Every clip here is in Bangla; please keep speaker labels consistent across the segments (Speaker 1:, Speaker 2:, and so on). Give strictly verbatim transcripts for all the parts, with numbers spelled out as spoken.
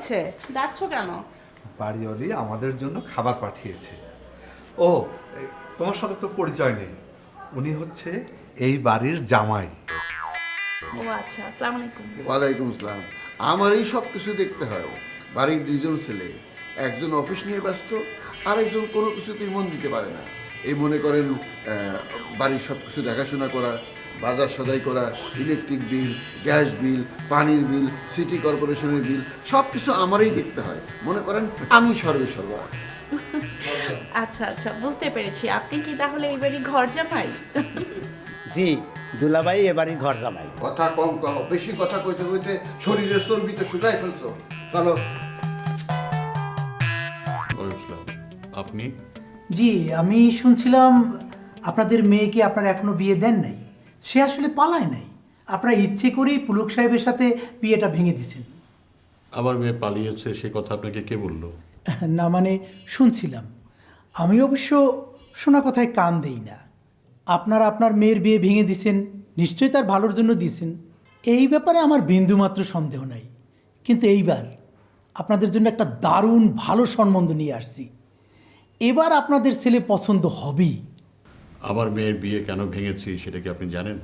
Speaker 1: হয়েছে, ডাকছো কেন?
Speaker 2: বাড়িওয়ালি আমাদের জন্য খাবার পাঠিয়েছে। ও, এই, তোমার সাথে তো পরিচয় নেই। উনি হচ্ছে এই বাড়ির জামাই।
Speaker 1: ও আচ্ছা, আসসালামু আলাইকুম।
Speaker 3: ওয়ালাইকুম আসসালাম। আমারই সব কিছু দেখতে হয়। বাড়ির দুইজন ছেলে, একজন অফিস নিয়ে ব্যস্ত, আরেকজন কোনো কিছুতেই মন দিতে পারে না। এই মনে করেন আহ, বাড়ির সব কিছু দেখাশোনা করা, বাজার সদাই করা, ইলেকট্রিক বিল, গ্যাস বিল, পানির বিল, সিটি কর্পোরেশনের বিল, সব কিছু আমারই দেখতে হয়। মনে করেন আমি সর্বে সর্বা।
Speaker 1: আচ্ছা আচ্ছা, বুঝতে পেরেছি। আপনি কি তাহলে এই বাড়ির ঘর জামাই?
Speaker 4: জি, দুলাভাই এবারই ঘর জামাই।
Speaker 3: কথা কম কও, বেশি কথা কইতে কইতে শরীরের চর্বিতে শুকাই ফেলছো। চলো।
Speaker 5: আপনি?
Speaker 6: জি, আমি শুনছিলাম আপনাদের মেয়েকে আপনারা এখনো বিয়ে দেন নাই। সে আসলে পালায় নাই, আপনারা ইচ্ছে করেই পুলক সাহেবের সাথে বিয়েটা ভেঙে দিয়েছেন।
Speaker 5: আমার মেয়ে পালিয়েছে সে কথা আপনাকে কে বললো?
Speaker 6: না মানে শুনছিলাম। আমি অবশ্য শোনা কথায় কান দেই না। আপনারা আপনার মেয়ের বিয়ে ভেঙে দিয়েছেন, নিশ্চয়ই তার ভালোর জন্য দিয়েছেন। এই ব্যাপারে আমার বিন্দুমাত্র সন্দেহ নাই। কিন্তু এইবার আপনাদের জন্য একটা দারুণ ভালো সম্বন্ধ নিয়ে আসছি। এবার আপনাদের ছেলে পছন্দ হবেই।
Speaker 5: আমার মেয়ের বিয়ে কেন ভেঙেছি সেটা কি আপনি জানেন?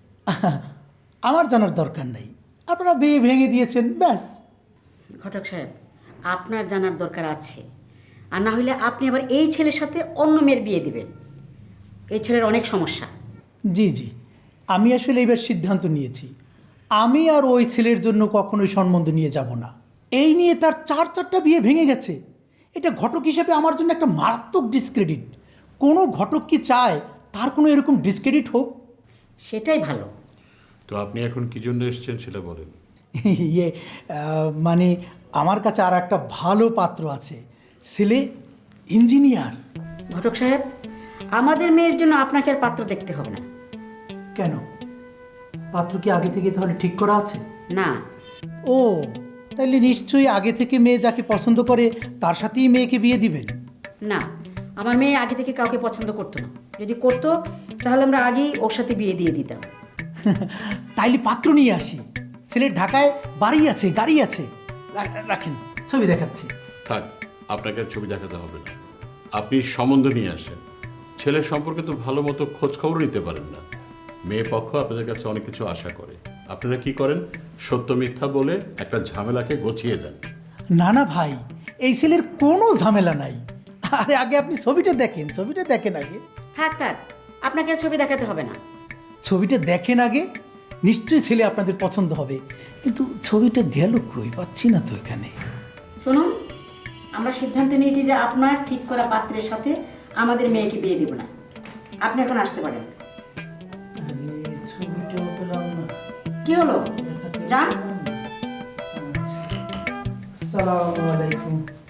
Speaker 6: আমার জানার দরকার নেই, আপনারা বিয়ে ভেঙে দিয়েছেন, ব্যাস।
Speaker 7: ঘটক সাহেব, আপনার জানার দরকার আছে। আর না হলে আপনি আবার এই ছেলের সাথে অন্য মেয়ের বিয়ে দিবেন। এই ছেলের অনেক সমস্যা।
Speaker 6: জি জি, আমি আসলে এবার সিদ্ধান্ত নিয়েছি, আমি আর ওই ছেলের জন্য কখনোই সম্বন্ধ নিয়ে যাব না। এই নিয়ে তার চার চারটা বিয়ে ভেঙে গেছে। এটা ঘটক হিসেবে আমার জন্য একটা মারাত্মক ডিসক্রেডিট। কোনো ঘটক কি চায় তার কোনো এরকম ডিসক্রেডিট হোক?
Speaker 7: সেটাই ভালো।
Speaker 5: তো আপনি এখন কি জন্য এসেছেন সেটা বলেন।
Speaker 6: ইয়ে আহ, মানে আমার কাছে আর একটা ভালো পাত্র আছে, ছেলে ইঞ্জিনিয়ার।
Speaker 7: ঘটক সাহেব, আমাদের মেয়ের জন্য আপনাকে আর পাত্র দেখতে হবে না।
Speaker 6: কেন, পাত্র কি আগে থেকে তাহলে ঠিক করা আছে?
Speaker 7: না।
Speaker 6: ও, তাহলে নিশ্চয়ই আগে থেকে মেয়ে যাকে পছন্দ করে তার সাথেই মেয়েকে বিয়ে দিবেন?
Speaker 7: না, আমার মেয়ে আগে থেকে কাউকে পছন্দ করতো না। যদি করতো তাহলে আমরা আগেই ওর সাথে বিয়ে দিয়ে দিতাম।
Speaker 6: তাইলে পাত্র নিয়ে আসি। ছেলের ঢাকায় বাড়ি আছে, গাড়ি আছে। রা- রাখেন, ছবি দেখাচ্ছি।
Speaker 5: থাক, আপনাকে আর ছবি দেখাতে হবে না। আপনি সম্বন্ধ নিয়ে আসেন। ছেলের সম্পর্কে তো ভালো মতো খোঁজ খবর নিতে পারেন না। মেয়ে পক্ষ আপনাদের কাছে অনেক কিছু আশা করে। আপনারা কি করেন? সত্য মিথ্যা বলে একটা ঝামেলাকে গছিয়ে দেন।
Speaker 6: না না ভাই, এই ছেলের কোনো ঝামেলা নাই। আরে আগে আপনি ছবিটা দেখেন, ছবিটা দেখেন আগে।
Speaker 7: থাক থাক, আপনাকে আর ছবি দেখাতে হবে না।
Speaker 6: ছবিটা দেখেন আগে, নিশ্চয়ই ছেলে আপনাদের পছন্দ হবে। কিন্তু ছবিটা গেল কই, পাচ্ছি না তো এখানে।
Speaker 7: শুনুন, আমরা সিদ্ধান্ত নিয়েছি যে আপনার ঠিক করা পাত্রের সাথে আমাদের মেয়েকে বিয়ে দেব না। আপনি এখন আসতে পারেন।
Speaker 6: আরে ছবিটাও পেলাম না।
Speaker 7: কি হলো? যান।
Speaker 6: আসসালামু আলাইকুম।